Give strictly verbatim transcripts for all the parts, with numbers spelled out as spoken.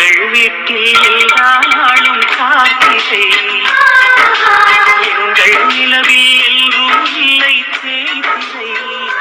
எங்கள் வீட்டில் எல்லா நாளும் காத்திரை, எங்கள் நிலவில் எல்லோரும் இல்லை தேய்திரை.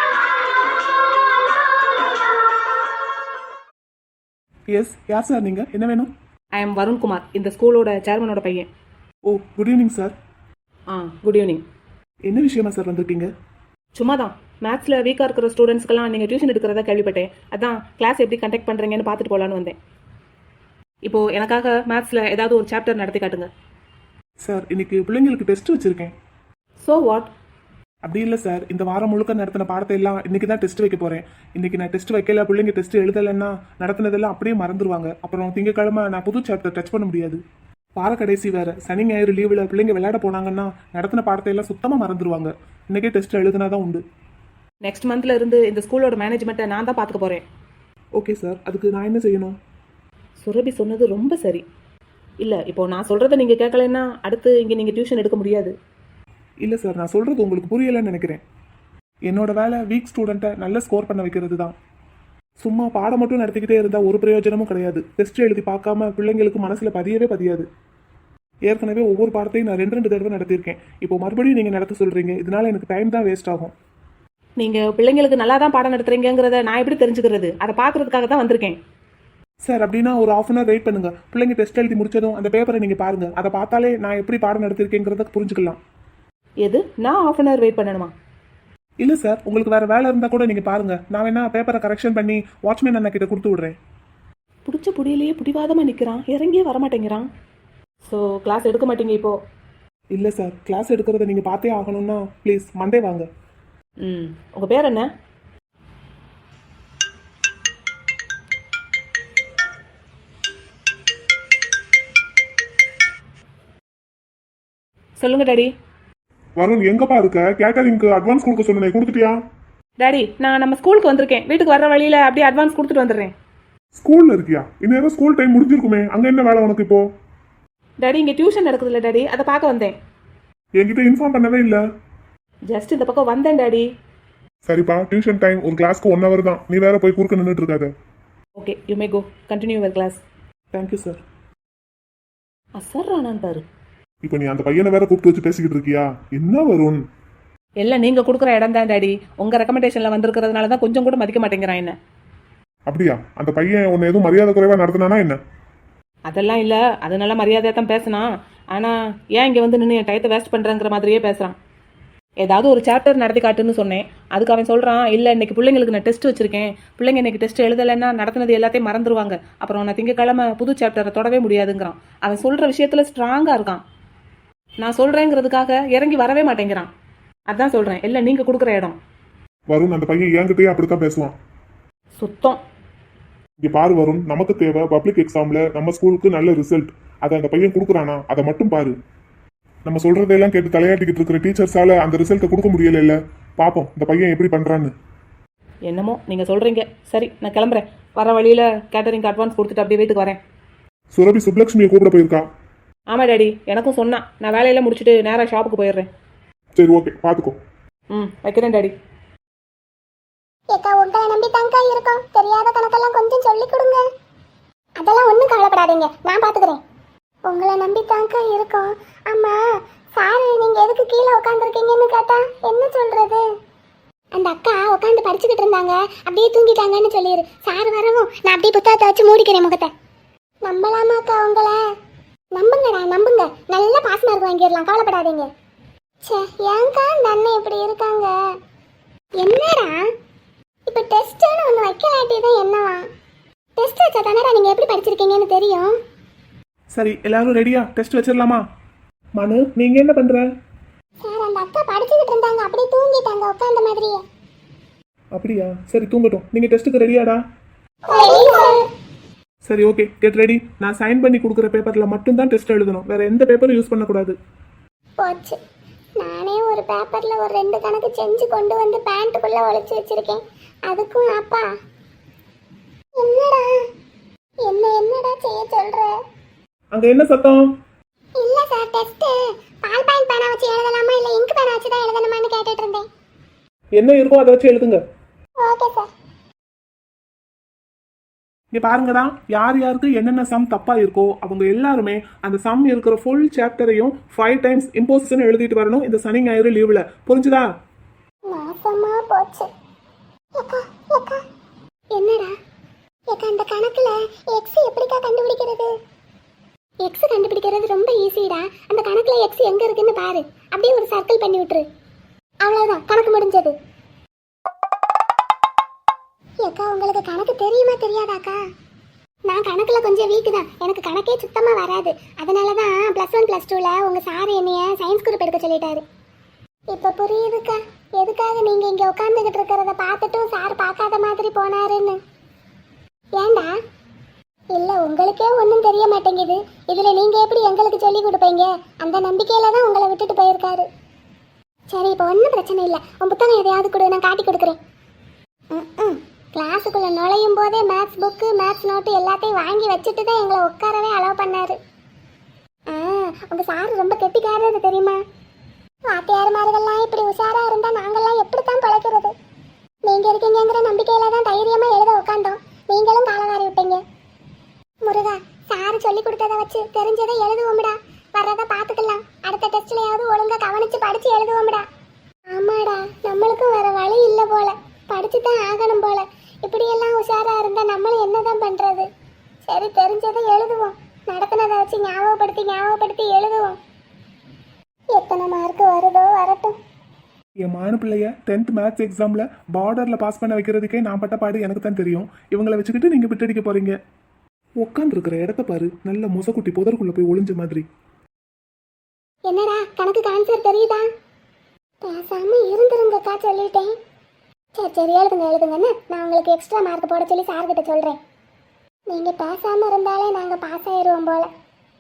எஸ், யார் சார் நீங்கள்? என்ன வேணும்? ஐ எம் வருண்குமார், இந்த ஸ்கூலோட சேர்மனோட பையன். ஓ, குட் ஈவினிங் சார். ஆ, குட் ஈவினிங். என்ன விஷயமா சார் வந்திருக்கீங்க? சும்மா தான் மேத்ஸில் வீக்காக இருக்கிற ஸ்டூடெண்ட்ஸ்க்கெல்லாம் நீங்கள் டியூஷன் எடுக்கிறதா கேள்விப்பட்டேன். அதான் கிளாஸ் எப்படி கண்டக்ட் பண்ணுறீங்கன்னு பார்த்துட்டு போகலான்னு வந்தேன். இப்போது எனக்காக மேத்ஸில் ஏதாவது ஒரு சாப்டர் நடத்தி காட்டுங்க. சார், இன்னைக்கு பிள்ளைங்களுக்கு டெஸ்ட் வச்சுருக்கேன். So what? அப்படி இல்லை சார், இந்த வாரம் முழுக்க நடத்தின பாடத்தை எல்லாம் இன்னைக்கு தான் டெஸ்ட் வைக்க போகிறேன். இன்னைக்கு நான் டெஸ்ட் வைக்கல, பிள்ளைங்க டெஸ்ட் எழுதலைன்னா நடத்தினதெல்லாம் அப்படியே மறந்துடுவாங்க. அப்புறம் திங்கக்கிழமை நான் புது சாப்டர் டச் பண்ண முடியாது. வார கடைசி வேறு, சனி ஞாயிறு லீவில் பிள்ளைங்க விளையாட போனாங்கன்னா நடத்தின பாடத்தை எல்லாம் சுத்தமாக மறந்துடுவாங்க. இன்றைக்கே டெஸ்ட் எழுதுனா தான் உண்டு. நெக்ஸ்ட் மந்த்ல இருந்து இந்த ஸ்கூலோட மேனேஜ்மெண்ட்டை நான் தான் பார்த்துக்க போகிறேன். ஓகே சார், அதுக்கு நான் என்ன செய்யணும்? சுரபி சொன்னது ரொம்ப சரி. இல்லை, இப்போது நான் சொல்கிறத நீங்கள் கேட்கலன்னா அடுத்து இங்கே நீங்கள் டியூஷன் எடுக்க முடியாது. இல்லை சார், நான் சொல்கிறது உங்களுக்கு புரியலைன்னு நினைக்கிறேன். என்னோட வேலை வீக் ஸ்டூடெண்ட்டை நல்ல ஸ்கோர் பண்ண வைக்கிறது தான். சும்மா பாடம் மட்டும் நடத்திக்கிட்டே இருந்தால் ஒரு பிரயோஜனமும் கிடையாது. டெஸ்ட் எழுதி பார்க்காம பிள்ளைங்களுக்கு மனசில் பதியவே பதியாது. ஏற்கனவே ஒவ்வொரு பாடத்தையும் நான் ரெண்டு ரெண்டு தடவை நடத்தியிருக்கேன். இப்போ மறுபடியும் நீங்கள் நடத்த சொல்கிறீங்க, இதனால எனக்கு டைம் தான் வேஸ்ட் ஆகும். நீங்கள் பிள்ளைங்களுக்கு நல்லா தான் பாடம் நடத்துறீங்கிறத நான் எப்படி தெரிஞ்சுக்கிறது? அதை பார்க்குறதுக்காக தான் வந்திருக்கேன். சார், அப்படின்னா ஒரு ஆஃப் அன் ஹவர் வெயிட் பண்ணுங்கள். பிள்ளைங்க டெஸ்ட் எழுதி முடிச்சதும் அந்த பேப்பரை நீங்கள் பாருங்கள். அதை பார்த்தாலே நான் எப்படி பாடம் நடத்திருக்கேங்கிறத புரிஞ்சுக்கலாம். எது, நான் ஆஃப் அன் ஹவர் வெயிட் பண்ணணுமா? இல்லை சார், உங்களுக்கு வேறு வேலை இருந்தால் கூட நீங்கள் பாருங்கள். நான் வேணா பேப்பரை கரெக்ஷன் பண்ணி வாட்ச்மேன் அண்ணா கிட்ட கொடுத்து விட்றேன். பிடிச்ச புடியிலேயே பிடிவாதமாக நிற்கிறான், இறங்கியே வரமாட்டேங்கிறான். ஸோ கிளாஸ் எடுக்க மாட்டீங்க இப்போது? இல்லை சார், கிளாஸ் எடுக்கிறத நீங்கள் பார்த்தே ஆகணும்னா ப்ளீஸ் மண்டே வாங்க. ம், உங்கள் பேர் என்ன? சொல்லுங்க டாடி. வருண், எங்கப்பா இருக்க? கேட்டரிங்க்கு அட்வான்ஸ் கொடுக்க சொன்னேன், கொடுத்துட்டியா? டாடி, நான் நம்ம ஸ்கூலுக்கு வந்திருக்கேன். வீட்டுக்கு வர வழியில் அப்படியே அட்வான்ஸ் கொடுத்துட்டு வந்துடுறேன். ஸ்கூல்ல இருக்கியா? இந்நேரம் ஸ்கூல் டைம் முடிஞ்சிருக்குமே, அங்க என்ன வேலை உனக்கு இப்போ? டாடி, இங்கே டியூஷன் நடக்குதுல்ல டாடி, அதை பார்க்க வந்தேன். என்கிட்ட இன்ஃபார்ம் பண்ணவே இல்லை. ஜஸ்ட் இந்த பக்கம் வந்தேன் டாடி. சரிப்பா, டியூஷன் டைம் ஒரு கிளாஸ்க்கு ஒன் ஹவர் தான். நீ வேற போய் குறுக்க நின்றுட்டு இருக்காத. Okay, you may go, continue your class. Thank you sir. அசர்றானான் பாரு. இப்போ நீ அந்த பையனை வேற கூப்பிட்டு வச்சு பேசிக்கிட்டு இருக்கியா? என்ன வருண்? எல்லாம் நீங்கள் கொடுக்குற இடம் தான் டாடி. உங்கள் ரெக்கமெண்டேஷனில் வந்திருக்கிறதுனால தான் கொஞ்சம் கூட மதிக்க மாட்டேங்கிறான் என்ன. அப்படியா? அந்த பையன் உன்னை எதுவும் மரியாதை குறைவா நடத்தினானா என்ன? அதெல்லாம் இல்லை, அது நல்லா மரியாதையாக தான் பேசினான். ஆனால் ஏன் இங்கே வந்து நின்று என் டயத்தை வேஸ்ட் பண்ணுறங்கிற மாதிரியே பேசுகிறான். ஏதாவது ஒரு சாப்டர் நடத்தி காட்டுன்னு சொன்னேன். அதுக்கு அவன் சொல்கிறான், இல்லை இன்னைக்கு பிள்ளைங்களுக்கு நான் டெஸ்ட் வச்சுருக்கேன், பிள்ளைங்க இன்னைக்கு டெஸ்ட் எழுதலைன்னா நடத்தினது எல்லாத்தையும் மறந்துடுவாங்க, அப்புறம் நான் திங்கக்கிழமை புது சாப்டரை தொடவே முடியாதுங்கிறான். அவன் சொல்கிற விஷயத்தில் ஸ்ட்ராங்காக இருக்கான். நான் சொல்கிறேங்கிறதுக்காக இறங்கி வரவே மாட்டேங்கிறான். அதான் சொல்கிறேன், இல்லை நீங்கள் கொடுக்குற இடம். வருண், அந்த பையன் என்கிட்டயே அப்படித்தான் பேசுவான். சுத்தம். இங்க பாரு வருண், நமக்கு தேவை பப்ளிக் எக்ஸாம்ல நம்ம ஸ்கூலுக்கு நல்ல ரிசல்ட். அதை அந்த பையன் கொடுக்குறானா அதை மட்டும் பாரு. நம்ம சொல்றதெல்லாம் கேட்டு தலையாட்டிக்கிட்டு இருக்கிற டீச்சர்ஸால அந்த ரிசல்ட்டை கொடுக்க முடியல. இல்ல பாப்போம் இந்த பையன் எப்படி பண்றான்னு. என்னமோ நீங்கள் சொல்கிறீங்க. சரி, நான் கிளம்புறேன். வர வழியில் கேட்டரிங் அட்வான்ஸ் கொடுத்துட்டு அப்படியே வீட்டுக்கு வரேன். சுரபி சுப்லட்சுமியை கூப்பிட போயிருக்கா? ஆமாம் டாடி, எனக்கும் சொன்னான். நான் வேலையெல்லாம் முடிச்சுட்டு நேராக ஷாப்புக்கு போயிடுறேன். சரி, ஓகே, பார்த்துக்கோ. ம், வைக்கிறேன் டாடி. ஏக்கா, உங்களை நம்பி தாங்க்கா இருக்கோம். தெரியாத கணக்கெல்லாம் கொஞ்சம் சொல்லி கொடுங்க. அதெல்லாம் ஒன்றும் கவலைப்படாதீங்க, நான் பார்த்துக்கிறேன். உங்களை நம்பி தாங்க்கா இருக்கோம். அம்மா, சார் நீங்கள் எதுக்கு கீழே உட்காந்துருக்கீங்கன்னு கேட்டா என்ன சொல்கிறது? அந்த அக்கா உட்காந்து படிச்சுக்கிட்டு இருந்தாங்க, அப்படியே தூங்கிட்டாங்கன்னு சொல்லிடு. சார் வரவும் நான் அப்படியே புத்தகத்தை வச்சு மூடிக்கிறேன் முகத்தை. நம்பலாமாக்கா உங்களை? நம்புங்கடா, நம்புங்க. நல்ல பாஸ் மார்க் வாங்கிடலாம், கவலைப்படாதீங்க. சே, ஏன்க்கா இந்த அண்ணன் இப்படி இருக்காங்க? என்னடா இப்போ டெஸ்ட்டுன்னு ஒன்று வைக்கலாட்டி தான் என்னவா? டெஸ்ட் வச்சா தானடா நீங்கள் எப்படி படிச்சிருக்கீங்கன்னு தெரியும். சரி, எல்லாரும் ரெடியா? டெஸ்ட் வச்சிடலாமா? மனு, நீங்கள் என்ன பண்ணுற? சார், அந்த அக்கா படிச்சுக்கிட்டு இருந்தாங்க, அப்படியே தூங்கிட்டாங்க உட்காந்த மாதிரியே. அப்படியா? சரி, தூங்கட்டும். நீங்கள் டெஸ்ட்டுக்கு ரெடியாடா? சரி, ஓகே, கெட் ரெடி. நான் சைன் பண்ணி கொடுக்குற பேப்பரில் மட்டும்தான் டெஸ்ட் எழுதணும். வேற எந்த பேப்பரும் யூஸ் பண்ணக்கூடாது. போச்சு. நானே ஒரு பேப்பரில் ஒரு ரெண்டு கணக்கு செஞ்சு கொண்டு வந்து பேண்ட்டுக்குள்ளே ஒழிச்சு வச்சிருக்கேன். அதுக்கும் அப்பா என்னடா என்ன என்னடா செய்ய சொல்ற? அங்க என்ன சத்தம்? இல்ல சார், டெஸ்ட் பால் பாயிண்ட் பேனா வச்சு எழுதலாமா இல்ல இங்க் பேனா வச்சு தான் எழுதணுமான்னு கேட்டுட்டு இருந்தேன். என்ன இருக்கோ அதை வச்சு எழுதுங்க. Okay sir. இங்க பாருங்கடா, யார் யாருக்கு என்னென்ன சம் தப்பா இருக்கோ அவங்க எல்லாருமே அந்த சம் இருக்கிற ஃபுல் சாப்டரையும் ஃபைவ் டைம்ஸ் இம்போசிஷன் எழுதிட்டு வரணும் இந்த சனி ஞாயிறு லீவ்ல. புரிஞ்சுதா? நாசமா போச்சு. ஏக்கா ஏக்கா என்னடா ஏக்கா இந்த கணக்குல எக்ஸ் எப்படிக்கா கண்டுபிடிக்கிறது? எக்ஸ் கண்டுபிடிக்கிறது ரொம்ப ஈஸிடா. அந்த கணக்குல எக்ஸ் எங்க இருக்குன்னு பாரு, அப்படியே ஒரு சர்க்கிள் பண்ணி விட்டுரு, அவ்வளவுதான், கணக்கு முடிஞ்சது. ஏக்கா உங்களுக்கு கணக்கு தெரியுமா தெரியாதாக்கா? நான் கணக்குல கொஞ்சம் வீக்கு தான், எனக்கு கணக்கே சுத்தமா வராது. அதனால தான் ப்ளஸ் ஒன் ப்ளஸ் டூல உங்க சார் என்னைய சயின்ஸ் குரூப் எடுக்க சொல்லிட்டாரு. இப்ப புரியுதுக்கா எதுக்காக நீங்க இங்க உட்காந்துக்கிட்டு இருக்கிறத பார்த்துட்டும் சார் பார்க்காத மாதிரி போனாருன்னு. ஏண்டா? இல்ல உங்களுக்கே ஒன்றும் தெரிய மாட்டேங்குது, இதுல நீங்க எப்படி எங்களுக்கு சொல்லி கொடுப்பீங்க? அந்த நம்பிக்கையில தான் உங்களை விட்டுட்டு போயிருக்காரு. சரி இப்போ ஒன்றும் பிரச்சனை இல்லை, உன் புத்தகம் எதையாவது கொடு, நான் காட்டி கொடுக்குறேன். ம் கிளாஸுக்குள்ள நுழையும் போதே மேத்ஸ் புக்கு மேத்ஸ் நோட்டு எல்லாத்தையும் வாங்கி வச்சுட்டு தான் எங்களை உட்காரவே அலோவ் பண்ணாரு. ஆ உங்க சார் ரொம்ப கெட்டிக்காரது தெரியுமா? வாத்தியார்மார்கள்லாம் இப்படி உஷாரா இருந்தா நாங்கெல்லாம் எப்படித்தான் பழைக்கிறது? நீங்க இருக்கீங்கிற நம்பிக்கையில தான் தைரியமா எழுத உட்காந்தோம், நீங்களும் காலவாரி விட்டீங்க. முருகா, சார் சொல்லி கொடுத்ததை வச்சு தெரிஞ்சதை எழுதுவோம்டா, வர்றதை பார்த்துக்கலாம். அடுத்த டெஸ்ட்லயாவது ஒழுங்கா கவனிச்சு படிச்சு எழுதுவோம்டா. ஆமாடா, நம்மளுக்கும் வேற வழி இல்லை போல, படிச்சு தான் ஆகணும் போல. இப்படியெல்லாம் உஷாரா இருந்தா நம்மளும் என்னதான் பண்றது? சரி தெரிஞ்சதை எழுதுவோம், நடத்தினதை வச்சு ஞாபகப்படுத்தி ஞாபகப்படுத்தி எழுதுவோம். எத்தனை மார்க் வருதோ வரட்டும். என் மான பிள்ளைய டென்த் மேத்ஸ் எக்ஸாம்ல பார்டர்ல பாஸ் பண்ண வைக்கிறதுக்கே நான் பட்ட பாடு எனக்கு தான் தெரியும். இவங்களை வச்சுக்கிட்டு நீங்க விட்டடிக்க போறீங்க. உட்காந்து இருக்கிற இடத்த பாரு, நல்ல மொசக்குட்டி புதற்குள்ள போய் ஒளிஞ்ச மாதிரி. என்னடா கணக்கு ஆன்சர் தெரியுதா? பேசாம இருந்துருங்கக்கா, சொல்லிட்டேன். சரி சரி எழுதுங்க எழுதுங்கன்னு நான் உங்களுக்கு எக்ஸ்ட்ரா மார்க் போட சொல்லி சார்கிட்ட சொல்றேன். நீங்க பேசாம இருந்தாலே நாங்க பாஸ் ஆயிடுவோம் போல.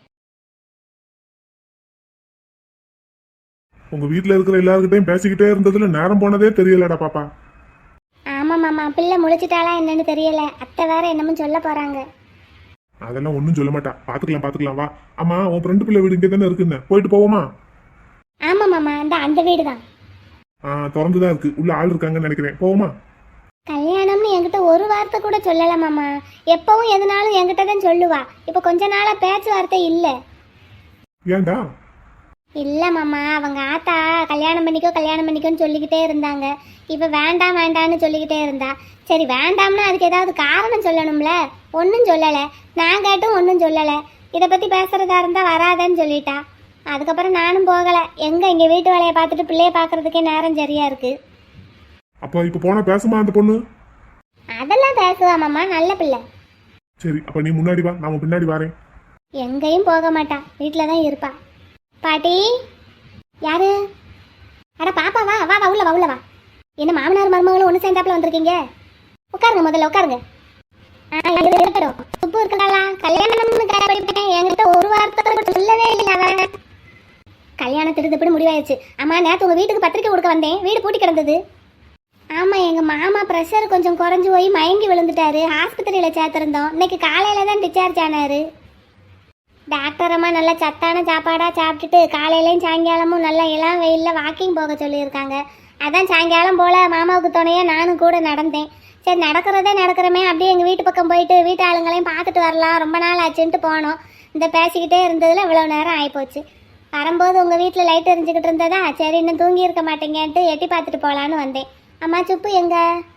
உங்க வீட்ல இருக்கிற எல்லாருக்கிட்டையும் பேசிக்கிட்டே இருந்ததுல நேரம் போனதே தெரியலடா பாப்பா. ஆமா மாமா, பிள்ளை முழிச்சிட்டாளா என்னன்னு தெரியல, அத்தை வேற என்னமும் சொல்ல போறாங்க. அதெல்லாம் ஒன்றும் சொல்ல மாட்டா, பாத்துக்கலாம் பாத்துக்கலாம் வா. ஆமா உன் ஃப்ரெண்டு பிள்ளை வீடு இங்கே தானே இருக்குன்னு, போயிட்டு போவோமா? ஆமா மாமா, அந்த அந்த வீடு தான். ஆ திறந்துதான் இருக்கு, உள்ள ஆள் இருக்காங்கன்னு நினைக்கிறேன், போவோமா? கல்யாணம்னு என்கிட்ட ஒரு வார்த்தை கூட சொல்லல மாமா. எப்பவும் எதுனாலும் என்கிட்ட தான் சொல்லுவா. இப்போ கொஞ்ச நாளா பேச்சுவார்த்தை இல்லை. ஏன்டா? இல்ல மாமா, அவங்க ஆத்தா கல்யாணம் பண்ணிக்கோ கல்யாணம் பண்ணிக்கோன்னு சொல்லிக்கிட்டே இருந்தாங்க. இப்போ வேண்டாம் வேண்டான்னு சொல்லிக்கிட்டே இருந்தா. சரி வேண்டாம்னா அதுக்கு ஏதாவது காரணம் சொல்லணும்ல, ஒன்றும் சொல்லலை. நான் கேட்டும் ஒன்றும் சொல்லலை. இதை பற்றி பேசுறதா இருந்தால் வராதேன்னு சொல்லிட்டா. அதுக்கப்புறம் நானும் போகலை. எங்கே இங்கே வீட்டு வேலையை பார்த்துட்டு பிள்ளைய பார்க்கறதுக்கே நேரம் சரியா இருக்கு. அப்ப இப்ப போனா பேசுமா அந்த பொண்ணு? அதெல்லாம் பேசுவா மாமா, நல்ல பிள்ளை. சரி அப்ப நீ முன்னாடி வா, நான் பின்னாடி வரேன். எங்கேயும் போக மாட்டா, வீட்டில் தான் இருப்பா. பாட்டி யாரு? அட பாப்பா வா வா வா உள்ள வா உள்ள வா. என்ன மாமனார் மருமகளும் ஒன்று சேர்ந்தாப்புல வந்திருக்கீங்க? உட்காருங்க, முதல்ல உட்காருங்க. இருக்கட்டும், சுப்பு இருக்காளா? கல்யாணம் கேட்டேன், என்கிட்ட ஒரு வார்த்தை கூட சொல்லவே இல்லை. அவன் கல்யாணத்துக்கு இப்படி முடிவாயிருச்சு. ஆமா நேற்று உங்க வீட்டுக்கு பத்திரிக்கை கொடுக்க வந்தேன், வீடு பூட்டி கிடந்தது. ஆமா எங்க மாமா ப்ரெஷர் கொஞ்சம் குறைஞ்சு போய் மயங்கி விழுந்துட்டாரு, ஆஸ்பத்திரியில சேர்த்திருந்தோம். இன்னைக்கு காலையில தான் டிஸ்சார்ஜ் ஆனாரு. டாக்டர் அம்மா நல்லா சத்தான சாப்பாடாக சாப்பிட்டுட்டு காலையிலையும் சாயங்காலமும் நல்லா இளம் வெயிலில் வாக்கிங் போக சொல்லியிருக்காங்க. அதான் சாயங்காலம் போல் மாமாவுக்கு துணையாக நானும் கூட நடந்தேன். சரி நடக்கிறதே நடக்கிறமே, அப்படியே எங்கள் வீட்டு பக்கம் போயிட்டு வீட்டு ஆளுங்களையும் பார்த்துட்டு வரலாம், ரொம்ப நாள் ஆச்சுன்ட்டு போனோம். இந்த பேசிக்கிட்டே இருந்ததில் இவ்வளோ நேரம் ஆகிப்போச்சு. வரும்போது உங்கள் வீட்டில் லைட் எரிஞ்சுக்கிட்டு இருந்ததா, சரி இன்னும் தூங்கி இருக்க மாட்டேங்கன்ட்டு எட்டி பார்த்துட்டு போகலான்னு வந்தேன். அம்மா சுப்பு எங்க?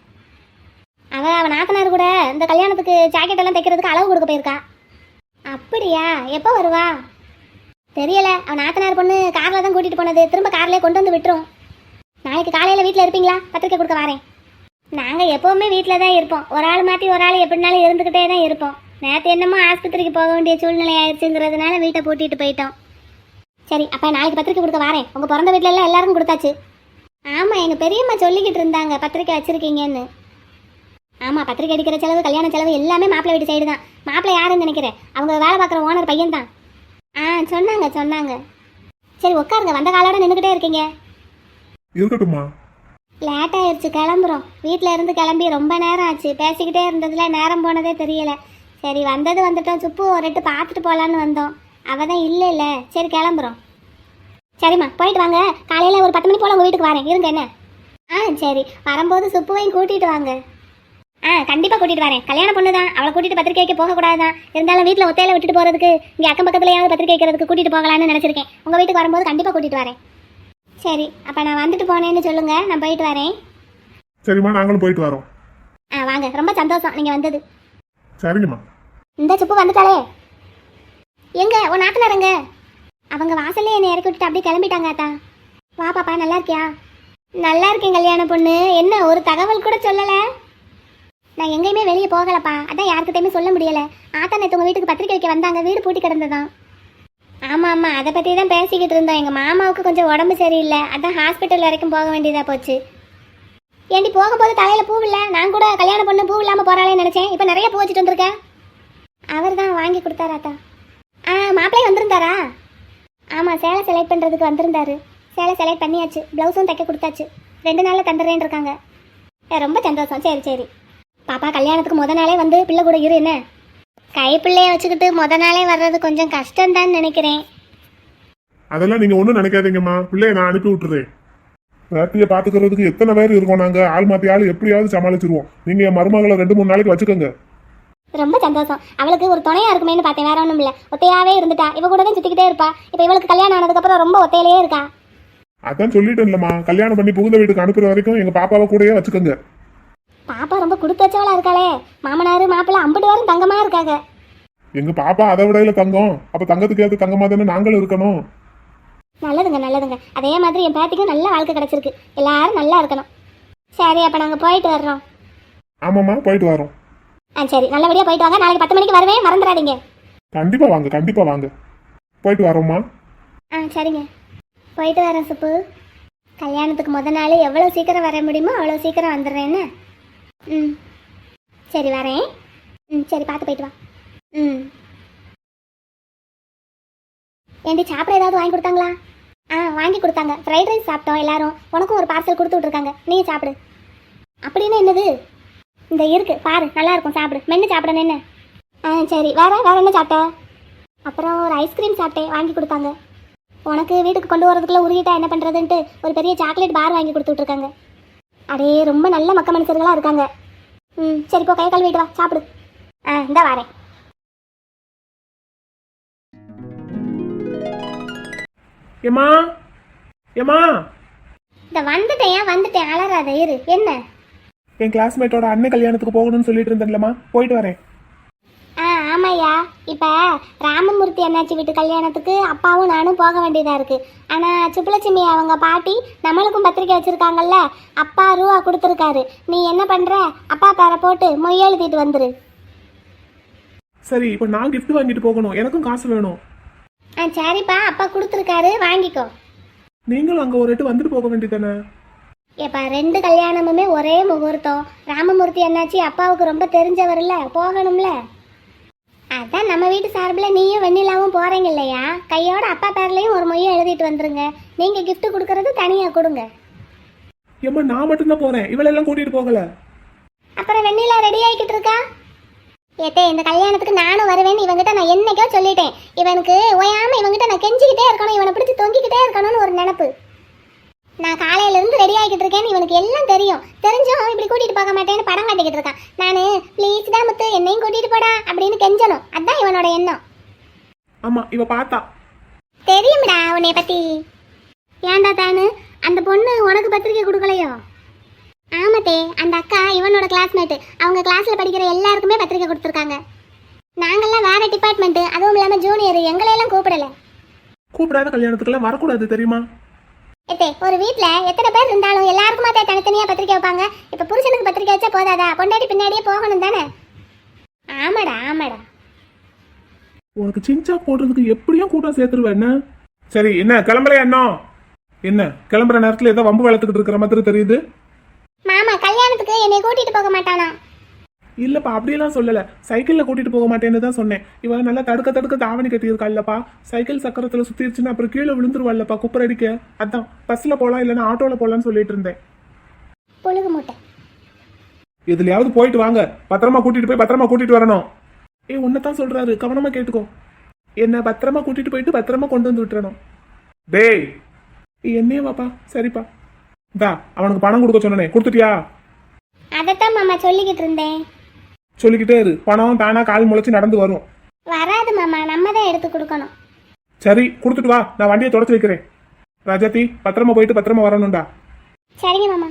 அவள் அவன் நாத்தனார் கூட இந்த கல்யாணத்துக்கு ஜாக்கெட் எல்லாம் தைக்கிறதுக்கு அளவு கொடுக்க போயிருக்கா. அப்படியா? எப்போ வருவா தெரியல. அவன் நாத்தனார் பொண்ணு காரில் தான் கூட்டிகிட்டு போனது, திரும்ப கார்லேயே கொண்டு வந்து விட்டுரும். நாளைக்கு காலையில் வீட்டில் இருப்பீங்களா? பத்திரிக்கை கொடுக்க வரேன். நாங்கள் எப்போவுமே வீட்டில் தான் இருப்போம், ஒரு ஆள் மாற்றி ஒரு ஆள் எப்படினாலும் இருந்துக்கிட்டே தான் இருப்போம். நேற்று என்னமோ ஆஸ்பத்திரிக்கு போக வேண்டிய சூழ்நிலை ஆயிடுச்சுங்கிறதுனால வீட்டை பூட்டிட்டு போயிட்டோம். சரி அப்போ நாளைக்கு பத்திரிக்கை கொடுக்க வரேன். உங்கள் பிறந்த வீட்டில எல்லாம் எல்லாருக்கும் கொடுத்தாச்சு. ஆமாம் எங்கள் பெரியம்மா சொல்லிக்கிட்டு இருந்தாங்க பத்திரிக்கை வச்சுருக்கீங்கன்னு. ஆமாம் பத்திரிக்கை அடிக்கிற செலவு கல்யாண செலவு எல்லாமே மாப்பிள்ளை வீட்டு சைடு தான். மாப்பிள்ளை யாருன்னு நினைக்கிறேன்? அவங்க வேலை பார்க்குற ஓனர் பையன் தான். ஆ சொன்னாங்க சொன்னாங்க. சரி உட்காருங்க, வந்த காலோட நின்றுக்கிட்டே இருக்கீங்க. இருக்கட்டும்மா. லேட் ஆயிடுச்சு, கிளம்புறோம். வீட்டில் இருந்து கிளம்பி ரொம்ப நேரம் ஆச்சு, பேசிக்கிட்டே இருந்ததுல நேரம் போனதே தெரியல. சரி வந்தது வந்துட்டோம், சுப்பு ஒரு எட்டு பார்த்துட்டு போகலான்னு வந்தோம். அவள் தான் இல்லை இல்லை. சரி கிளம்புறோம். சரிம்மா போயிட்டு வாங்க, காலையில் ஒரு பத்து மணி போல் உங்கள் வீட்டுக்கு வரேன், இருங்க என்ன? ஆ சரி, வரும்போது சுப்புவையும் கூட்டிகிட்டு வாங்க. ஆ கண்டிப்பா கூட்டிட்டு வரேன். கல்யாண பொண்ணு தான், அவளை கூட்டிட்டு பத்திரிக்கை வைக்க போக கூடாதுதான். இருந்தாலும் வீட்ல ஒத்தையில விட்டுட்டு போறதுக்கு இங்க அக்கம் பக்கத்துலயாவது பத்திரிக்கை வைக்கிறதுக்கு கூட்டிட்டு போகலான்னு நினைச்சிருக்கேன். உங்க வீட்டுக்கு வரும்போது கண்டிப்பா கூட்டிட்டு வரேன். சரி, அப்ப நான் வந்துட்டு போனேன்னு சொல்லுங்க, நான் போயிட்டு வரேன். சரிம்மா, நாங்களும் போயிட்டு வரோம். ஆ வாங்க, ரொம்ப சந்தோஷம் நீங்க வந்தது. சரிங்கம்மா. இந்த சுப்பு வந்துட்டாளே. எங்க உன் நாத்தனாரங்க? அவங்க வாசல்ல என்னை இறக்கி விட்டுட்டு அப்படியே கிளம்பிட்டாங்க. ஆத்தா வா பாப்பா, நல்லா இருக்கியா? நல்லா இருக்கேன் கல்யாண பொண்ணு. என்ன ஒரு தகவல் கூட சொல்லல? நான் எங்கேயுமே வெளியே போகலப்பா, அதான் யாருக்கிட்டையுமே சொல்ல முடியல. ஆத்தா நேற்று உங்க வீட்டுக்கு பத்திரிக்கை வைக்க வந்தாங்க, வீடு பூட்டி கிடந்ததான். ஆமா ஆமா, அதை பத்தி தான் பேசிக்கிட்டு இருந்தோம். எங்க மாமாவுக்கு கொஞ்சம் உடம்பு சரியில்லை, அதான் ஹாஸ்பிட்டல் வரைக்கும் போக வேண்டியதா போச்சு. ஏண்டி போகும்போது தலையில பூ இல்லை? நான் கூட கல்யாண பொண்ணு பூ இல்லாம போறாளேன்னு நினைச்சேன். இப்போ நிறைய பூ வச்சுட்டு வந்திருக்கேன். அவர் தான் வாங்கி கொடுத்தாரா ஆத்தா? ஆ மாப்பிள்ளை வந்திருந்தாரா? ஆமா, சேலை செலக்ட் பண்றதுக்கு வந்திருந்தாரு. சேலை செலக்ட் பண்ணியாச்சு, பிளவுஸும் தைக்க கொடுத்தாச்சு. ரெண்டு நாள்ல தந்துடுறேன்னு இருக்காங்க. ஏ, ரொம்ப சந்தோஷம். சரி சரி பாப்பா, கல்யாணத்துக்கு முத நாளே வந்து பிள்ளை கூட இரு என்ன? கை பிள்ளைய வச்சுக்கிட்டு முத நாளே வர்றது கொஞ்சம் கஷ்டம் தான் நினைக்கிறேன். அதெல்லாம் நீங்க ஒண்ணும் நினைக்காதீங்கம்மா, பிள்ளைய நான் அனுப்பி விட்டுறேன். வேட்டியை பாத்துக்கிறதுக்கு எத்தனை பேர் இருக்கோம் நாங்க. ஆள் மாத்தி ஆள் எப்படியாவது சமாளிச்சிருவோம். நீங்க என் மருமகளை ரெண்டு மூணு நாளைக்கு வச்சுக்கோங்க. ரொம்ப சந்தோஷம். அவளுக்கு ஒரு துணையா இருக்குமேன்னு பார்த்தேன், வேற ஒன்றும் இல்லை. ஒத்தையாவே இருந்துட்டா, இவ கூட தான் சுத்திக்கிட்டே இருப்பா. இப்போ இவளுக்கு கல்யாணம் ஆனதுக்கப்புறம் ரொம்ப ஒத்தையிலேயே இருக்கா. அதான் சொல்லிட்டேன்லம்மா, கல்யாணம் பண்ணி புகுந்த வீட்டுக்கு அனுப்புற வரைக்கும் எங்க பாப்பாவை கூடயே வச்சுக்கோங்க. பாப்பா ரொம்ப கொடுத்து வச்சவளா இருக்காளே. மாமனாரு மாப்பிள்ளை அம்பட்டு வாரம் தங்கமா இருக்காங்க. எங்க பாப்பா அதை விடையில தங்கம். அப்ப தங்கத்துக்கு ஏற்ற தங்கமா தானே நாங்களும் இருக்கணும். நல்லதுங்க நல்லதுங்க. அதே மாதிரி என் பேத்திக்கும் நல்ல வாழ்க்கை கிடைச்சிருக்கு. எல்லாரும் நல்லா இருக்கணும். சரி, அப்ப நாங்க போயிட்டு வர்றோம். ஆமாம்மா, போயிட்டு வரோம். ஆ சரி, நல்லபடியா போயிட்டு வாங்க. நாளைக்கு பத்து மணிக்கு வருவேன், மறந்துடாதீங்க. கண்டிப்பா வாங்க, கண்டிப்பா வாங்க. போயிட்டு வரோம்மா. ஆ சரிங்க, போயிட்டு வரேன் சுப்பு. கல்யாணத்துக்கு முத நாள் எவ்வளோ சீக்கிரம் வர முடியுமோ அவ்வளோ சீக்கிரம் வந்துடுறேன்னு. ம் சரி வரேன். ம் சரி, பார்த்து போயிட்டு வா. ம் ஏண்டி சாப்பிட ஏதாவது வாங்கி கொடுத்தாங்களா? ஆ வாங்கி கொடுத்தாங்க. ஃப்ரைட் ரைஸ் சாப்பிட்டோம் எல்லாரும். உனக்கும் ஒரு பார்சல் கொடுத்து விட்ருக்காங்க, நீ சாப்பிடு. அப்படின்னு என்னது? இந்த இருக்கு பாரு, நல்லா இருக்கும், சாப்பிடு. மென்று சாப்பிடணும் என்ன? ஆ சரி, வேற வேற என்ன சாப்பிட்ட? அப்புறம் ஒரு ஐஸ்கிரீம் சாப்பிட்டேன், வாங்கி கொடுத்தாங்க. உனக்கு வீட்டுக்கு கொண்டு வரதுக்குள்ள உருகிட்டா என்ன பண்ணுறதுன்ட்டு ஒரு பெரிய சாக்லேட் பார் வாங்கி கொடுத்து விட்ருக்காங்க. அடே, ரொம்ப நல்ல மக்க மனுஷர்களாக இருக்காங்க. ம் சரி, போ கை கழுவிட்டு வா, சாப்பிடு. ஆ இந்த வரேன். ஏமா ஏமா, இந்த வந்துட்டேன் வந்துட்டேன், அலறாத இரு. என்ன? என் கிளாஸ்மேட்டோட அண்ணன் கல்யாணத்துக்கு போகணும்னு சொல்லிட்டு இருந்தேன்லம்மா, போயிட்டு வரேன். ஆ ஆமாய்யா, இப்போ ராமமூர்த்தி அண்ணாச்சி வீட்டு கல்யாணத்துக்கு அப்பாவும் நானும் போக வேண்டியதாக இருக்குது. ஆனால் சுப்புலட்சுமி அவங்க பாட்டி நம்மளுக்கும் பத்திரிக்கை வச்சுருக்காங்கல்ல, அப்பா ரூபா கொடுத்துருக்காரு. நீ என்ன பண்ணுற, அப்பா பேரை போட்டு மொய் எழுதிட்டு வந்துரு. சரி, இப்போ நான் gift வாங்கிட்டு போகணும், எனக்கும் காசு வேணும். ஆ சரிப்பா, அப்பா கொடுத்துருக்காரு, வாங்கிக்கோ. நீங்களும் அங்கே ஒரு எட்டு வந்துட்டு போக வேண்டியதானே? ஏப்பா, ரெண்டு கல்யாணமுமே ஒரே முகூர்த்தம். ராமமூர்த்தி அண்ணாச்சி அப்பாவுக்கு ரொம்ப தெரிஞ்சவர்ல, போகணும்ல. அதான் நம்ம வீட்டு சார்பில் நீயும் வெண்ணிலாவும் போகிறீங்க இல்லையா, கையோட அப்பா பேர்லையும் ஒரு மொய்யை எழுதிட்டு வந்துருங்க. நீங்கள் gift கொடுக்கறது தனியாக கொடுங்க. ஏம்மா, நான் மட்டும்தான் போகிறேன், இவளெல்லாம் கூட்டிகிட்டு போகலை. அப்புறம் வெண்ணிலா ரெடி ஆகிக்கிட்டு இருக்கா? ஏத்தே, இந்த கல்யாணத்துக்கு நானும் வருவேன்னு இவங்கிட்ட நான் என்னைக்கோ சொல்லிட்டேன். இவனுக்கு ஓயாம இவங்கிட்ட நான் கெஞ்சிக்கிட்டே இருக்கணும், இவனை பிடிச்சி தொங்கிக்கிட்டே இருக்கணும்னு ஒரு நினப்பு. நான் காலையில இருந்து ரெடி ஆகிட்டு இருக்கேன்னு இவனுக்கு எல்லாம் தெரியும். தெரிஞ்சும் இப்படி கூட்டிட்டு போக மாட்டேன்னு படம் காட்டிக்கிட்டு இருக்கான். நானு ப்ளீஸ் தான் முத்து, என்னையும் கூட்டிட்டு போடா அப்படின்னு கெஞ்சணும். அதான் இவனோட எண்ணம். ஆமா, இவ பார்த்தா தெரியும்டா உன்னை பத்தி. ஏன்டா தானு, அந்த பொண்ணு உனக்கு பத்திரிக்கை கொடுக்கலையோ? ஆமாத்தே, அந்த அக்கா இவனோட கிளாஸ்மேட்டு. அவங்க கிளாஸ்ல படிக்கிற எல்லாருக்குமே பத்திரிக்கை கொடுத்துருக்காங்க. நாங்கெல்லாம் வேற டிபார்ட்மெண்ட், அதுவும் இல்லாம ஜூனியர், எங்களையெல்லாம் கூப்பிடல. கூப்பிடாத கல்யாணத்துக்குலாம் வரக்கூடாது தெரியுமா? ஏத்தே, ஒரு வீட்ல எத்தனை பேர் இருந்தாலும் எல்லாருக்குமா தனித்தனியா பத்திரிக்கை வைப்பாங்க. இப்ப புருஷனுக்கு பத்திரிக்கை வச்சா போதாதா, பொண்டாட்டி பின்னாடியே போகணும் தானே? ஆமாடா ஆமாடா. உனக்கு சின்சா போடுறதுக்கு எப்படியும் கூட்டம் சேர்த்துருவேன் என்ன? சரி, என்ன கிளம்பலையா? என்ன என்ன கிளம்புற நேரத்துல ஏதோ வம்பு வளர்த்துக்கிட்டு இருக்கிற மாதிரி தெரியுது. மாமா கல்யாணத்துக்கு என்னை கூட்டிட்டு போக மாட்டானா? இல்லப்பா, அப்படியெல்லாம் சொல்லல. சைக்கிள்ல கூட்டிட்டு போக மாட்டேன்னு தான் சொன்னேன். இவ நல்லா தடுக்க தடுக்க தாவணி கட்டியிருக்கா இல்லப்பா. சைக்கிள் சக்கரத்துல சுத்திருச்சுன்னா அப்புறம் கீழே விழுந்துருவாள்லப்பா குப்பர் அடிக்க. அதான் பஸ்ல போலாம் இல்லைன்னா ஆட்டோல போலான்னு சொல்லிட்டு இருந்தேன். புழுகு மூட்டை. எதுலயாவது போயிட்டு வாங்க, பத்திரமா கூட்டிட்டு போய் பத்திரமா கூட்டிட்டு வரணும். ஏ, உன்னதான் சொல்றாரு, கவனமா கேட்டுக்கோ. என்ன பத்திரமா கூட்டிட்டு போயிட்டு பத்திரமா கொண்டு வந்து விட்டுறணும். டேய், என்னையே வாப்பா. சரிப்பா, இந்தா அவனுக்கு பணம் கொடுக்க சொன்னனே, கொடுத்துட்டியா? அதை அதைத்தான் மாமா சொல்லிக்கிட்டு இருந்தேன். சொல்லிக்கிட்டே இரு, பணம் தானா கால் முளைச்சு நடந்து வரும். வராது மாமா, நம்ம தான் எடுத்து கொடுக்கணும். சரி கொடுத்துட்டு வா, நான் வண்டியை தொடச்சு வைக்கிறேன். ராஜாத்தி பத்திரமா போயிட்டு பத்திரமா வரணும்டா. சரிங்க மாமா.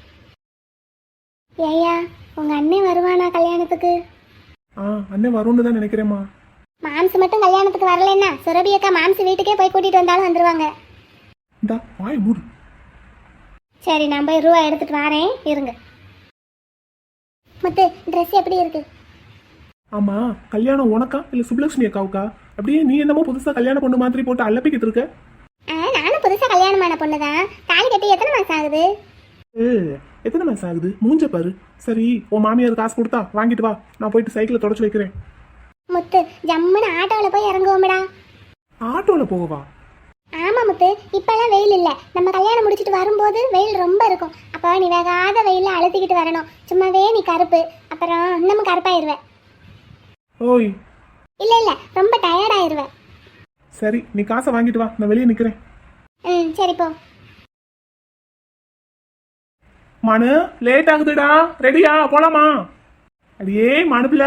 ஏய்யா, உங்க அண்ணன் வருவானா கல்யாணத்துக்கு? ஆ அண்ணன் வரும்னு தான் நினைக்கிறேம்மா. மாம்சு மட்டும் கல்யாணத்துக்கு வரலன்னா சுரபி அக்கா மாம்சு வீட்டுக்கே போய் கூட்டிட்டு வந்தாலும் வந்துருவாங்க. இந்தா வாய் மூடு. சரி, நான் போய் ரூபா எடுத்துட்டு வரேன், இருங்க. முத்து, ட்ரெஸ் எப்படி இருக்கு? ஆமா, கல்யாணம் உனக்கா இல்ல சுப்லட்சுமி அக்காவுக்கா? அப்படியே நீ என்னமோ புதுசா கல்யாண பொண்ணு மாதிரி போட்டு அலப்பிக்கிட்டு இருக்க. ஆ, நானும் புதுசா கல்யாணமான பொண்ணுதான். தாலி கட்டி எத்தனை மாசம் ஆகுது? ஏ எத்தனை மாசம் ஆகுது? மூஞ்ச பாரு. சரி, உன் மாமியார் காசு கொடுத்தா வாங்கிட்டு வா, நான் போயிட்டு சைக்கிளை தொடச்சு வைக்கிறேன். முத்து, ஜம்முன்னு ஆட்டோவில் போய் இறங்குவோம்டா. ஆட்டோல போகவா? ஆமா முத்து, இப்பெல்லாம் வெயில் இல்ல. நம்ம கல்யாணம் முடிச்சிட்டு வரும்போது வெயில் ரொம்ப இருக்கும். அப்ப நீ வேகாத வெயில அழுத்திக்கிட்டு வரணும். சும்மாவே நீ கருப்பு, அப்புறம் இன்னமும் கருப்பாயிருவ. ஓய் இல்ல இல்ல, ரொம்ப டயர்ட் ஆயிருவ. சரி, நீ காசை வாங்கிட்டு வா, நான் வெளியே நிக்கிறேன். ம், சரி போ. மனு லேட் ஆகுதுடா, ரெடியா போலாமா? அடியே மனுப்புல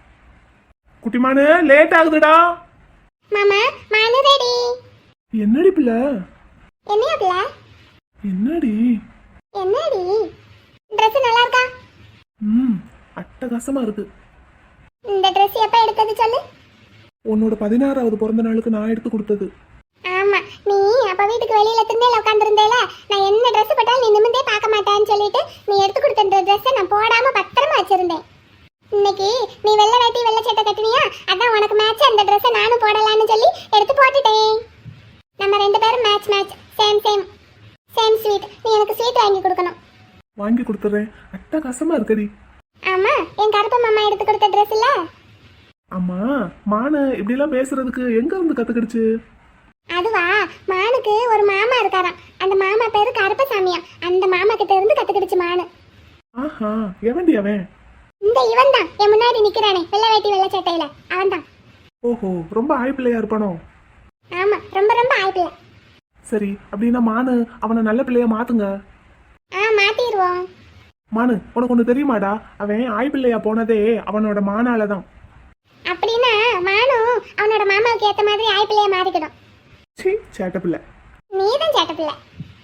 குட்டி மனு, லேட் ஆகுதுடா. மாமா, மனு ரெடி. என்னடி பிள்ளை? என்னையா பிள்ள? என்னடி? என்னடி Dress நல்லா இருக்கா? ம் அட்டகாசமா இருக்கு. இந்த Dress எப்ப எடுத்தது சொல்லு? உன்னோட பதினாறாவது பிறந்த நாளுக்கு நான் எடுத்து கொடுத்தது. ஆமா, நீ அப்ப வீட்டுக்கு வெளியில திண்ணையில உட்கார்ந்திருந்தேல, நான் என்ன Dress போட்டாலும் நீ நிமிந்தே பார்க்க மாட்டேன்னு சொல்லிட்டு நீ எடுத்து கொடுத்த இந்த Dress நான் போடாம பத்திரமா வச்சிருந்தேன். இன்னைக்கு நீ வெள்ளை வேட்டி வெள்ளை சட்டை கட்டினியா, அதான் உனக்கு மேட்ச் அந்த Dress நானும் போடலாம்னு சொல்லி எடுத்து போட்டுட்டேன். நம்ம ரெண்டு பேரும் match match, same same same sweet. நீ எனக்கு ஸ்வீட் வாங்கி கொடுக்கணும். வாங்கி கொடுத்துறேன். அட்டகாசமா இருக்கடி. ஆமா, என் கருப்பு மாமா எடுத்து கொடுத்த Dress இல்ல? அம்மா, மான இப்படி எல்லாம் பேசுறதுக்கு எங்க இருந்து கத்துக்கிடுச்சு? அதுவா, மானுக்கு ஒரு மாமா இருக்காராம். அந்த மாமா பேரு கருப்பசாமியா. அந்த மாமா கிட்ட இருந்து கத்துக்கிடுச்சு மானு. ஆஹா, எவன்டி அவன்? இந்த இவன் தான் என் முன்னாடி நிக்கிறானே, வெள்ளை வேட்டி வெள்ளை சட்டையில, அவன் தான். ஓஹோ, ரொம்ப ஆய்ப்பிள்ளையா இருப்பானோ? ஆமா, ரொம்ப ரொம்ப ஆயிப்பில்ல. சரி, அப்படின்னா மானு அவனை நல்ல பிள்ளையா மாத்துங்க. ஆ, மாத்திடுவோம். மானு, உனக்கு ஒண்ணு தெரியுமாடா? அவன் ஆய்ப்பிள்ளையா போனதே அவனோட மானாலதான். அப்படின்னா மானும் அவனோட மாமாவுக்கு ஏத்த மாதிரி ஆயிப்பிள்ளைய மாறிக்கிடும். சீ, சேட்ட பிள்ளை. நீதான் சேட்ட பிள்ளை.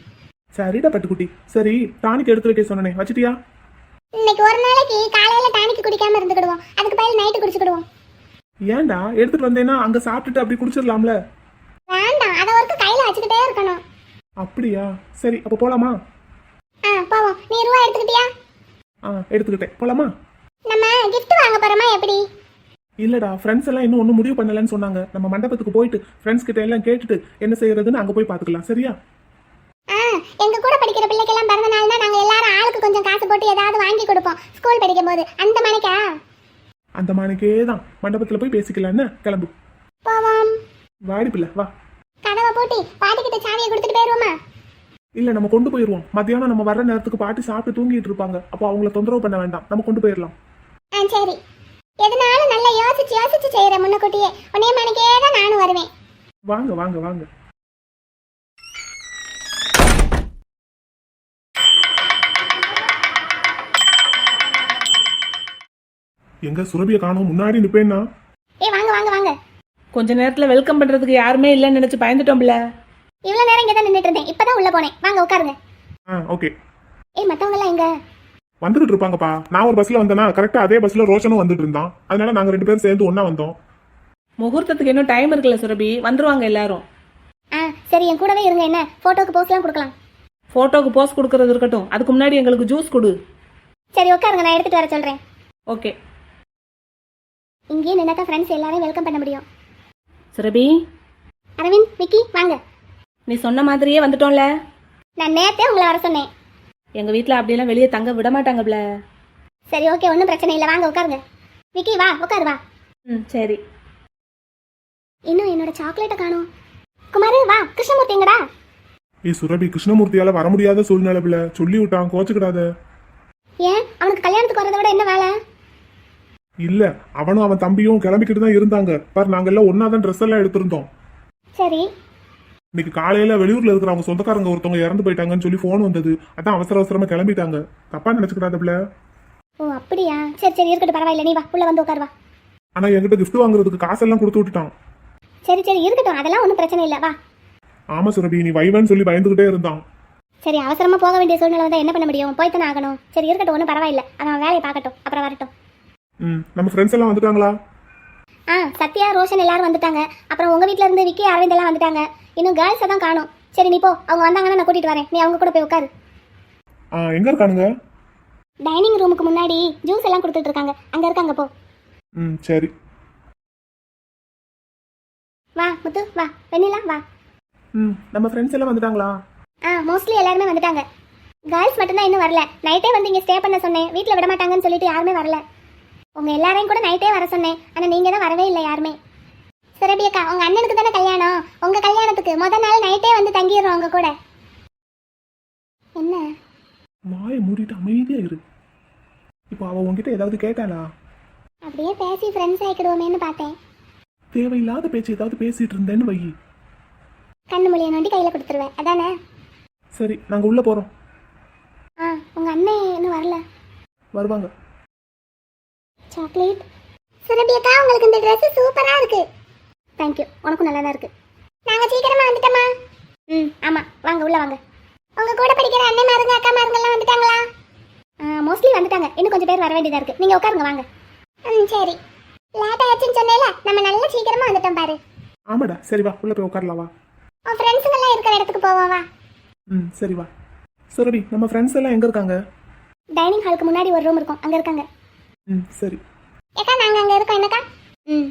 சரிடா பட்டுக்குட்டி. சரி, டானிக் எடுத்து வைக்க சொன்னனே, வச்சிட்டியா? இன்னைக்கு ஒரு நாளைக்கு காலையில டானிக்கு குடிக்காம இருந்துக்கிடுவோம். அதுக்கு பதில் நைட்டு குடிச்சுக்கிடுவோம். ஏன்டா, எடுத்துட்டு வந்தேன்னா அங்க சாப்பிட்டுட்டு அப்படி குடிச்சிடலாம்ல? வேண்டாம், அதை ஒருக்க கையில வச்சுக்கிட்டே இருக்கணும். அப்படியா? சரி, அப்ப போலாமா? ஆ, போவோம். நீ ரூபா எடுத்துக்கிட்டியா? ஆ, எடுத்துக்கிட்டேன். போலாமா? நம்ம gift வாங்க போறோமா எப்படி? இல்லடா, ஃப்ரெண்ட்ஸ் எல்லாம் இன்னும் ஒன்றும் முடிவு பண்ணலன்னு சொன்னாங்க. நம்ம மண்டபத்துக்கு போயிட்டு ஃப்ரெண்ட்ஸ் கிட்ட எல்லாம் கேட்டுட்டு என்ன செய்யறதுன்னு அங்க போய் பாத்துக்கலாம். சரியா? ஆ, எங்க கூட படிக்கிற பிள்ளைக்கெல்லாம் பிறந்த நாள்னா நாங்க எல்லாரும் ஆளுக்கு கொஞ்சம் காசு போட்டு ஏதாவது வாங்கி கொடுப்போம் ஸ்கூல் படிக்கும் போது. அந்த மணிக்கா? அந்த மாணிக்கே தான். மண்டபத்துல போய் பேசிக்கலான்னு கிளம்பு. போவோம். வாடி பிள்ளை, வா. கதவை பூட்டி பாட்டிக்கிட்ட சாவியை கொடுத்துட்டு போயிருவோமா? இல்ல, நம்ம கொண்டு போயிருவோம். மத்தியானம் நம்ம வர்ற நேரத்துக்கு பாட்டி சாப்பிட்டு தூங்கிட்டு இருப்பாங்க. அப்போ அவங்கள தொந்தரவு பண்ண வேண்டாம், நம்ம கொண்டு போயிடலாம். ஆ, சரி. எதனாலும் நல்லா யோசிச்சு யோசிச்சு செய்யற முன்னக்கூட்டியே. உன்னைய மணிக்கே தான் நானும் வருவேன். வாங்க வாங்க வாங்க. எங்க சுரபியை காணோம்? முன்னாடி நிப்பேன்னா. ஏய், வாங்க வாங்க வாங்க. கொஞ்ச நேரத்துல வெல்கம் பண்றதுக்கு யாருமே இல்லைன்னு நினைச்சு பயந்துட்டோம்ல. இவ்வளவு நேரம் இங்க தான் நின்னுட்டு இருந்தேன், இப்பதான் உள்ள போனேன். வாங்க உட்காருங்க. ஆ, ஓகே. ஏய், மத்தவங்க எல்லாம் எங்க? வந்துட்டு இருப்பாங்கப்பா. நான் ஒரு பஸ்ல வந்தேனா, கரெக்டா அதே பஸ்ல ரோஷனும் வந்துட்டு இருந்தான். அதனால நாங்க ரெண்டு பேரும் சேர்ந்து ஒண்ணா வந்தோம். முகூர்த்தத்துக்கு இன்னும் டைம் இருக்குல்ல சுரபி, வந்துருவாங்க எல்லாரும். ஆ, சரி, என் கூடவே இருங்க. என்ன போட்டோக்கு போஸ்ட்லாம் கொடுக்கலாம். போட்டோக்கு போஸ் கொடுக்கறது இருக்கட்டும், அதுக்கு முன்னாடி எங்களுக்கு ஜூஸ் கொடு. சரி, உட்காருங்க, நான் எடுத்துட்டு வர சொல்றேன். ஓகே. இங்கேயே நின்னா தான் ஃப்ரெண்ட்ஸ் எல்லாரையும் வெல்கம் பண்ண முடியும். சுரபி, அரவிந்த், விக்கி, வாங்க. நீ சொன்ன மாதிரியே வந்துட்டோம்ல. நான் நேத்தே உங்களை வர சொன்னேன். எங்க வீட்ல அப்படியெல்லாம் வெளியே தங்க விட மாட்டாங்கப்ல. சரி, ஓகே, ஒன்றும் பிரச்சனை இல்லை. வாங்க உட்காருங்க. விக்கி, வா உட்காரு, வா. ம், சரி. இன்னும் என்னோட சாக்லேட்டை காணோம். குமாரு, வா. கிருஷ்ணமூர்த்தி எங்கடா? ஏய் சுரபி, கிருஷ்ணமூர்த்தியால வர முடியாத சூழ்நிலை பிள்ளை. சொல்லி விட்டான், கோச்சுக்கிடாத. ஏன், அவனுக்கு கல்யாணத்துக்கு வரதை விட என்ன வேலை? இல்ல, அவனும் அவன் தம்பியும் கிளம்பிக்கிட்டு தான் இருந்தாங்க. பாரு, நாங்க எல்லாம் ஒன்னா தான் ட்ரெஸ் எல்லாம் எடுத்திருந்தோம். சரி. இன்னைக்கு காலையில வெளியூர்ல இருக்கிற அவங்க சொந்தக்காரங்க ஒருத்தவங்க இறந்து போயிட்டாங்கன்னு சொல்லி போன் வந்தது. அதான் அவசர அவசரமா கிளம்பிட்டாங்க. தப்பா நினைச்சுக்கிடாத பிள்ளை. ஓ அப்படியா, சரி சரி இருக்கட்டும், பரவாயில்ல, நீ வா உள்ள வந்து உட்கார் வா. ஆனா என்கிட்ட gift வாங்குறதுக்கு காசெல்லாம் கொடுத்து விட்டுட்டான். சரி சரி இருக்கட்டும், அதெல்லாம் ஒன்றும் பிரச்சனை இல்லை, வா. ஆமா சுரபி, நீ வைவன்னு சொல்லி பயந்துகிட்டே இருந்தான். சரி அவசரமா போக வேண்டிய சூழ்நிலை வந்தால் என்ன பண்ண முடியும், போய்த்தானே ஆகணும். சரி இருக்கட்டும், ஒன்றும் பரவாயில்ல, அவன் வேலையை பார்க்கட்டும், அப்புறம் வரட்டும். ம் நம்ம ஃப்ரெண்ட்ஸ் எல்லாம் வந்துட்டாங்களா? ஆ சத்யா ரோஷன் எல்லாரும் வந்துட்டாங்க. அப்புறம் உங்க வீட்ல இருந்து விக்கி அரவிந்த் எல்லாம் வந்துட்டாங்க. இன்னும் கேர்ள்ஸை தான் காணும். சரி நீ போ, அவங்க வந்தாங்கன்னா நான் கூட்டிட்டு வரேன், நீ அவங்க கூட போய் உட்காரு. ஆ எங்க இருக்கானுங்க? டைனிங் ரூமுக்கு முன்னாடி ஜூஸ் எல்லாம் கொடுத்துட்டு இருக்காங்க, அங்க இருக்காங்க, போ. ம் சரி. வா முத்து வா, வெண்ணிலா வா. ம் நம்ம ஃப்ரெண்ட்ஸ் எல்லாம் வந்துட்டாங்களா? ஆ மோஸ்ட்லி எல்லாருமே வந்துட்டாங்க. கேர்ள்ஸ் மட்டும்தான் இன்னும் வரல. நைட்டே வந்து இங்கே ஸ்டே பண்ண சொன்னேன், வீட்டில் விட மாட்டாங்கன்னு சொல்லிட்டு யாருமே வரல. உங்கள் எல்லாரையும் கூட நைட்டே வர சொன்னேன், ஆனால் நீங்கள் தான் வரவே இல்லை யாருமே. சுரபி அக்கா, உங்கள் அண்ணனுக்கு தானே கல்யாணம், உங்கள் கல்யாணத்துக்கு முத நாள் நைட்டே வந்து தங்கிடுறோம் உங்க கூட. என்ன வாயை மூடிட்டு அமைதியா இரு. இப்போ அவ உன்கிட்ட ஏதாவது கேட்டாளா? அப்படியே பேசி ஃப்ரெண்ட்ஸ் ஆகிக்கிடுவோமேன்னு பார்த்தேன். தேவையில்லாத பேச்சு ஏதாவது பேசிட்டு இருந்தேன்னு வை. கண்ணு மொழியை நோண்டி கையில் கொடுத்துருவேன், அதானே? சரி நாங்க உள்ள போறோம். ஆ உங்கள் அண்ணன் இன்னும் வரல. வருவாங்க. சாக்லேட். சுரபி அக்கா, உங்களுக்கு இந்த ட்ரெஸ் சூப்பராக இருக்கு. தேங்க்யூ, உனக்கும் நல்லா தான் இருக்கு. நாங்கள் சீக்கிரமாக வந்துட்டோமா? ம் ஆமாம், வாங்க உள்ள வாங்க. உங்கள் கூட படிக்கிற அண்ணன் மாருங்க அக்கா மாருங்கெல்லாம் வந்துட்டாங்களா? மோஸ்ட்லி வந்துட்டாங்க, இன்னும் கொஞ்சம் பேர் வர வேண்டியதாக இருக்குது. நீங்கள் உட்காருங்க வாங்க. ம் சரி, லேட் ஆயிடுச்சுன்னு சொன்னேல, நம்ம நல்லா சீக்கிரமாக வந்துட்டோம் பாரு. ஆமாடா, சரி வா உள்ள போய் உட்காரலாம் வா. உன் ஃப்ரெண்ட்ஸுங்கெல்லாம் இருக்கிற இடத்துக்கு போவோம் வா. ம் சரி வா. சுரபி நம்ம ஃப்ரெண்ட்ஸ் எல்லாம் எங்க இருக்காங்க? டைனிங் ஹாலுக்கு முன்னாடி ஒரு ரூம் இருக்கும், அங்கே இருக்காங்க. ம் சரி. ஏக்கா நாங்கள் அங்கே இருக்கோம், என்னக்கா? ம்.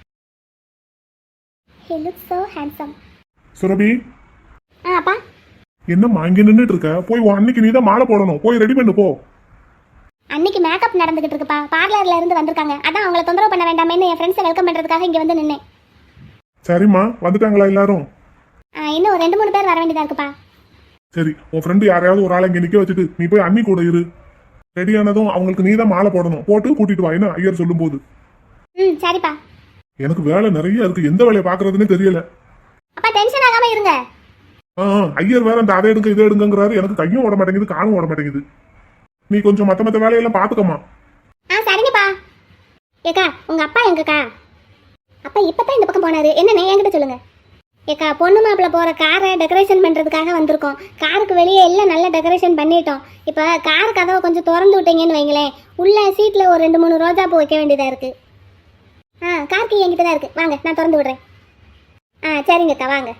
He looks so handsome. Surabhi, ஆ அப்பா. என்னம்மா இங்க நின்றுட்டு இருக்க? போய் உன் அன்னைக்கு நீ தான் மாலை போடணும், போய் ரெடி பண்ணு போ. அன்னைக்கு மேக்கப் நடந்துகிட்டு இருக்குப்பா, பார்லர்ல இருந்து வந்திருக்காங்க, அதான் அவங்கள தொந்தரவு பண்ண வேண்டாமேன்னு என் ஃப்ரெண்ட்ஸை வெல்கம் பண்றதுக்காக இங்க வந்து நின்னேன். சரிம்மா, வந்துட்டாங்களா எல்லாரும்? ஆ, இன்னும் ஒரு ரெண்டு மூணு பேர் வர வேண்டியதா இருக்குப்பா. சரி, உன் ஃப்ரெண்டு யாரையாவது ஒரு ஆளை இங்க நிக்க வச்சுட்டு நீ போய் அண்ணி கூட இரு. ரெடி ஆனதும் அவங்களுக்கு நீ தான் மாலை போடணும், போட்டு கூட்டிட்டு வா, என்ன ஐயர் சொல்லும் போது. ம் சரிப்பா. எனக்கு வேலை நிறைய இருக்கு, எந்த வேலையை பாக்குறதுன்னு தெரியல. அப்பா டென்ஷன் ஆகாம இருங்க. ஆ ஐயர் வேற அந்த அதை எடுங்க இதை எடுங்கிறாரு, எனக்கு கையும் ஓட மாட்டேங்குது காலும் ஓட மாட்டேங்குது. நீ கொஞ்சம் மத்த மத்த வேலையெல்லாம் பாத்துக்கமா. ஆ சரிங்கப்பா. ஏக்கா உங்க அப்பா எங்கக்கா? அப்பா இப்பதான் இந்த பக்கம் போனாரு, என்னன்னு என்கிட்ட சொல்லுங்க. ஏக்கா பொண்ணு மாப்பிள்ள போற காரை டெக்கரேஷன் பண்றதுக்காக வந்திருக்கோம். காருக்கு வெளியே எல்லாம் நல்லா டெக்கரேஷன் பண்ணிட்டோம். இப்ப கார் கதவை கொஞ்சம் திறந்து விட்டீங்கன்னு வைங்களேன், உள்ள சீட்ல ஒரு ரெண்டு மூணு ரோஜா பூ வைக்க வேண்டியதா இருக்கு. ஆ கார் கீ என்கிட்ட தான் இருக்கு, வாங்க நான் திறந்து விடுறேன். ஆ சரிங்கக்கா வாங்க.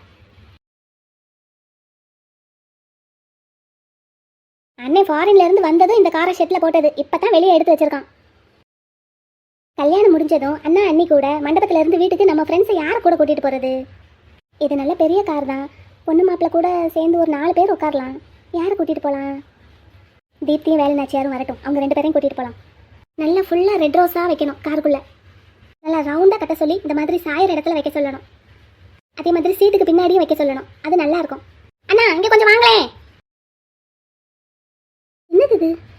அண்ணே ஃபாரின்ல இருந்து வந்ததும் இந்த காரை ஷெட்ல போட்டது, இப்பதான் வெளியே எடுத்து வச்சிருக்கான். கல்யாணம் முடிஞ்சதும் அண்ணா அண்ணி கூட மண்டபத்துல இருந்து வீட்டுக்கு நம்ம ஃப்ரெண்ட்ஸை யாரை கூட கூட்டிட்டு போறது? இது நல்ல பெரிய கார் தான், பொண்ணு மாப்பிள்ள கூட சேர்ந்து ஒரு நாலு பேர் உட்காரலாம். யாரை கூட்டிட்டு போகலாம்? தீப்தியும் வேலை நாச்சியாரும் வரட்டும், அவங்க ரெண்டு பேரையும் கூட்டிட்டு போகலாம். நல்லா ஃபுல்லாக ரெட் ரோஸாக வைக்கணும் காருக்குள்ள, நல்லா ரவுண்டாக கட்ட சொல்லி இந்த மாதிரி சாயிற இடத்துல வைக்க சொல்லணும். அதே மாதிரி சீட்டுக்கு பின்னாடியும் வைக்க சொல்லணும், அது நல்லா இருக்கும். அண்ணா இங்கே கொஞ்சம் வாங்களேன். என்னது இது?